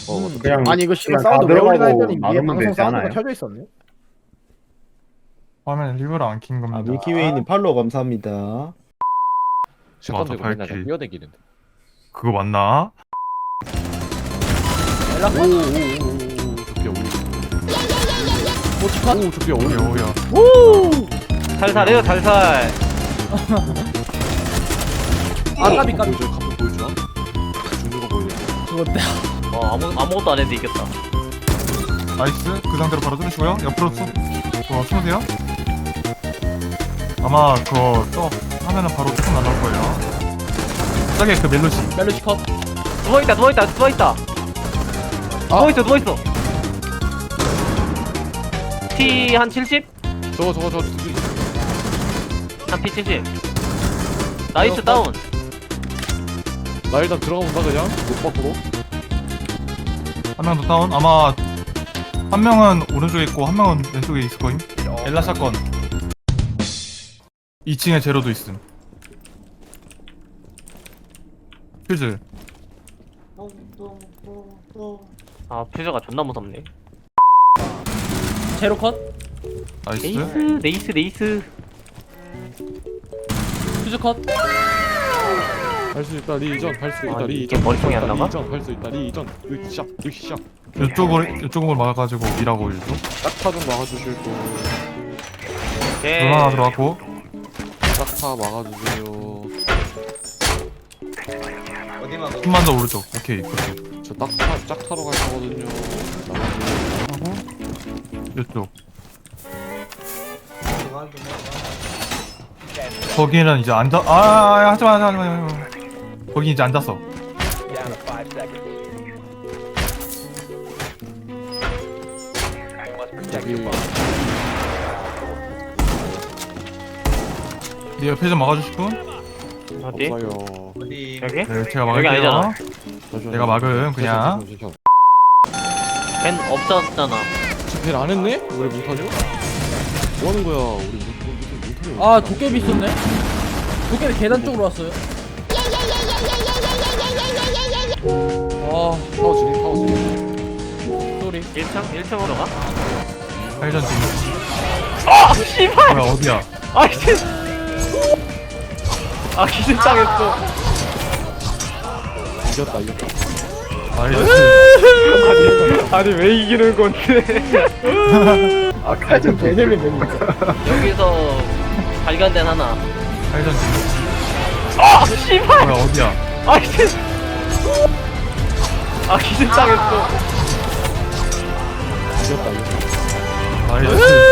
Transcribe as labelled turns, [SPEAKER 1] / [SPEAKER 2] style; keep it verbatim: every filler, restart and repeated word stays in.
[SPEAKER 1] 어,
[SPEAKER 2] 음,
[SPEAKER 1] 그냥
[SPEAKER 2] 아니 이거 씨발
[SPEAKER 1] 그냥
[SPEAKER 2] 사운드
[SPEAKER 1] 다
[SPEAKER 2] 왜 올리나
[SPEAKER 1] 들어가고
[SPEAKER 2] 했더니 위에
[SPEAKER 1] 나누면
[SPEAKER 2] 방송
[SPEAKER 1] 되지
[SPEAKER 2] 사운드가
[SPEAKER 1] 않아요?
[SPEAKER 2] 켜져 있었네.
[SPEAKER 3] 화면 일부러 안 킨 겁니다.
[SPEAKER 4] 아 밀키웨이님 팔로우 감사합니다.
[SPEAKER 1] 샷건
[SPEAKER 3] 맞아,
[SPEAKER 1] 들고 맨날
[SPEAKER 3] 발키리.
[SPEAKER 1] 뛰어다니는데.
[SPEAKER 3] 그거 맞나?
[SPEAKER 2] 연락 오.
[SPEAKER 1] 오오오오 조피아 올려.
[SPEAKER 2] 오치컷.
[SPEAKER 1] 오 조피아
[SPEAKER 3] 오야
[SPEAKER 1] 올려.
[SPEAKER 3] 오야.
[SPEAKER 2] 오.
[SPEAKER 5] 살살해요 살살.
[SPEAKER 2] 아 까비 까비.
[SPEAKER 1] 보여줘. 카프 보여줘. 죽는 거 보여줘.
[SPEAKER 2] 죽었다.
[SPEAKER 5] 어 아무 아무것도 안 했는데 이겼다.
[SPEAKER 3] 나이스. 그 상태로 바로 뚫으시고요. 옆으로 쏘. 어, 숨으세요. 아마 그거 또 하면은 바로 툭 날라올 거예요. 저기 그 멜로시.
[SPEAKER 2] 멜로시 컷.
[SPEAKER 5] 누워 있다 누워 있다 누워 있다. 누워 있어 누워 있어. 피 한 칠십?
[SPEAKER 1] 저거 저거 저거.
[SPEAKER 5] 한 피 칠십. 나이스 다운.
[SPEAKER 1] 나 일단 들어가 본다 그냥. 못 밖으로.
[SPEAKER 3] 한 명 더 다운. 아마 한 명은 오른쪽에 있고 한 명은 왼쪽에 있을 거임. 엘라 사건. 이 층에 제로도 있음. 퓨즈.
[SPEAKER 5] 아 퓨저가 존나 무섭네.
[SPEAKER 2] 제로 컷.
[SPEAKER 3] 나이스.
[SPEAKER 5] 레이스 레이스 레이스.
[SPEAKER 2] 퓨즈 컷.
[SPEAKER 1] 할 수 있다 리전. 할 수 있다
[SPEAKER 5] 아니,
[SPEAKER 1] 리전.
[SPEAKER 5] 이게 머리통이 안 나가?
[SPEAKER 1] 리전 할 수 있다 리전. 으쌰 으쌰.
[SPEAKER 3] 이쪽을 이쪽을 막아가지고 일하고 일도.
[SPEAKER 1] 딱타 좀 막아주실 분.
[SPEAKER 5] 오케이.
[SPEAKER 3] 드론 하나 들어갔고.
[SPEAKER 1] 딱타 막아주세요.
[SPEAKER 3] 좀만 더 오른쪽. 오케이. 그렇죠.
[SPEAKER 1] 저 딱타 짝타로 갈 거거든요.
[SPEAKER 3] 하고 이쪽. 거기는 이제 앉아. 아 하지마 하지마 하지마. 거기 이제 앉았어.
[SPEAKER 1] 여기
[SPEAKER 3] 네 옆에 좀 막아주실 분?
[SPEAKER 5] 어디?
[SPEAKER 1] 없어요.
[SPEAKER 5] 여기?
[SPEAKER 3] 네 제가
[SPEAKER 5] 여기
[SPEAKER 3] 막을게요.
[SPEAKER 5] 아니잖아.
[SPEAKER 1] 잠시만요.
[SPEAKER 3] 내가 막음 그냥.
[SPEAKER 1] 잠시만요.
[SPEAKER 5] 벤 없었잖아.
[SPEAKER 1] 집필 안 했네? 우리 몽타뉴? 뭐 하는 거야? 우리 몽타뉴.
[SPEAKER 2] 아 도깨비 있었네. 도깨비 계단 쪽으로 왔어요. 아
[SPEAKER 1] 타워 진입, 타워 진입.
[SPEAKER 2] 쏘리.
[SPEAKER 5] 일 층? 일 층으로 가?
[SPEAKER 3] 회전 중.
[SPEAKER 5] 아 씨발!
[SPEAKER 3] 뭐야 어디야?
[SPEAKER 5] 아 씨. 아 기준 당했어.
[SPEAKER 1] 이겼다, 이겼다.
[SPEAKER 3] 나이스.
[SPEAKER 5] 아니 왜 이기는 건데?
[SPEAKER 2] 아 칼좀 개들면 되니까.
[SPEAKER 5] 여기서 발견된 하나.
[SPEAKER 3] 회전 중.
[SPEAKER 5] 아 씨발!
[SPEAKER 3] 뭐야 어디야?
[SPEAKER 5] 아 씨. 아 기준 당했어.
[SPEAKER 1] 이겼다, 이겼다.
[SPEAKER 3] 나이스.